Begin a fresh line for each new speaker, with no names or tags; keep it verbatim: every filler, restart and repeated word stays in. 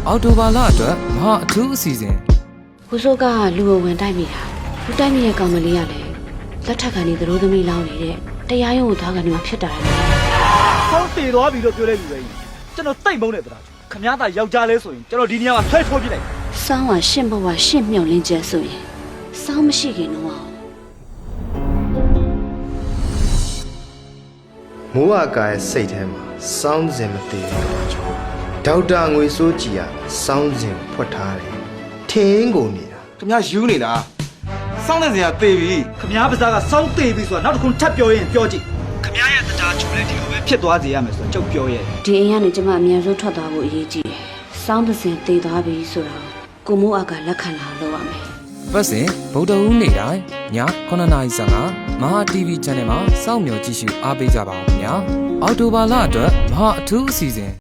အော်တိုဘာလအတွက်မဟာအထူးအစီအစဉ်
ကိုစိုးကလူကိုဝင်တိုက်မိတာလူတိုက်မိတဲ့ကောင်မလေးကလည်းလက်ထက်ကနေသရိုးသမီးလောင်းနေတဲ့တရားရုံးကိုသွားကနေမှဖြစ်တာလေ
ဆောင်းတည်သွားပြီလို့ပြောလိုက်လူပဲကျွန်တော်တိတ်မုန်းနေသလားခမည်းသားယောက်ျားလဲဆိုရင်ကျွန်တော်ဒီနေရာမှာဆွဲထိုးပြလိုက်
စောင်းကရှင့်ဘဝရှင့်မြောက်လင်းကျဲဆိုရင်စောင်းမရှိခင်တော့
မိုးအကာရဲ့စိတ်ထဲမှာစောင်းစင်မသေးတော့ကြောဒေါက်တာငွေစိုးကြည်ကစောင်းစင်ဖွက်ထားတယ်ထင်းကုန်နေတာ
ခင်ဗျာယူနေတာစောင်းတဲ့စရာသေပြီ
ခမည်းပါးစားကစောင်းတည်ပြီဆိုတာနောက်တစ်ခုထပ်ပြောရင်ပြောကြည့်ခမည်းရဲ့တရားချိုးလဲဒီလိုပဲဖြစ်သွားစေရမယ်ဆိုတော့ကြောက်ပြောရဲ့
ဒီအိမ်ကနေကျမအမြန်ဆုံးထွက်သွားဖို့အရေးကြီးတယ်စောင်းတဲ့စင်တည်သွားပြီဆိုတော့ကိုမိုးအကလက်ခံလာလို့ရမယ်
ပတ်စဉ်ဗုဒ္ဓဟူးနေ့တိုင်းညခုနှစ်နာရီဆန်ကမဟာ တီဗီ channel မှာစောင့်မျှော်ကြည့်ရှုအားပေးကြပါဦးခင်ဗျာအော်တိုဘာလအတွက်မဟာအထူးအစီအစဉ်